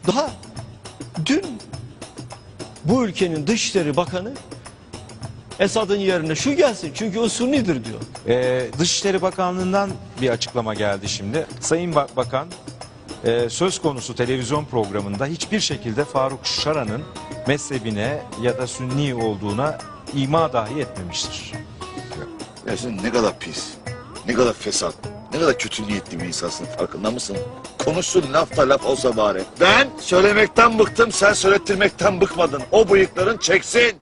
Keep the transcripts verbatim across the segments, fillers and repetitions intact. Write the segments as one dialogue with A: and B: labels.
A: Daha dün bu ülkenin Dışişleri Bakanı Esad'ın yerine şu gelsin çünkü o Sunnidir diyor.
B: Ee, Dışişleri Bakanlığı'ndan bir açıklama geldi şimdi. Sayın Bak- Bakan e, söz konusu televizyon programında hiçbir şekilde Faruk Şaran'ın mezhebine ya da Sünni olduğuna ima dahi etmemiştir.
C: Ya sen ne kadar pis, ne kadar fesat, ne kadar kötü niyetli bir insansın, farkında mısın? Konuşsun, laf da laf olsa bari. Ben söylemekten bıktım, sen söylettirmekten bıkmadın. O bıyıkların çeksin.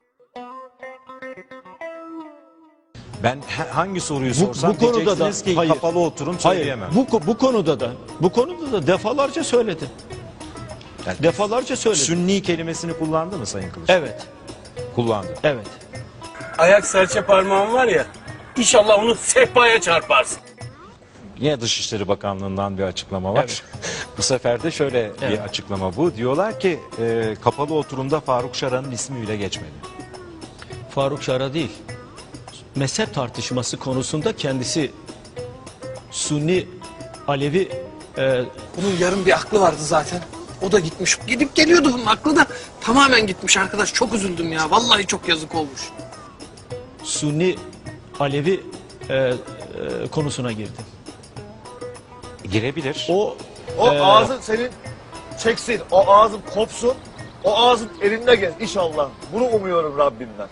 B: Ben he- hangi soruyu
A: Bu-
B: sorsam
A: bu konuda da-
B: diyeceksiniz ki
A: hayır.
B: kapalı oturum
A: Hayır,
B: söyleyemem.
A: bu, ko- bu konuda da bu konuda da defalarca söyledi.
B: Yani
A: Defalarca söyledi.
B: Sünni kelimesini kullandı mı Sayın Kılıç?
A: Evet,
B: Kullandı.
A: evet.
D: Ayak serçe parmağın var ya, İnşallah onu sehpaya çarparsın.
B: Yine Dışişleri Bakanlığı'ndan bir açıklama var.
A: Evet.
B: Bu sefer de şöyle bir
A: Evet.
B: açıklama bu. Diyorlar ki e, kapalı oturumda Faruk Şaran'ın ismi bile geçmedi.
A: Faruk Şara değil. Mezhep tartışması konusunda kendisi Sunni, Alevi e,
E: Bunun yarım bir aklı vardı zaten. O da gitmiş. Gidip geliyordu bunun aklı da tamamen gitmiş arkadaş. Çok üzüldüm ya. Vallahi çok yazık olmuş.
A: Sunni, Alevi e, e, konusuna girdi.
B: Girebilir.
A: O
F: O
A: Ee,
F: ağzın senin çeksin, o ağzın kopsun, o ağzın elinde gez inşallah. Bunu umuyorum Rabbimden.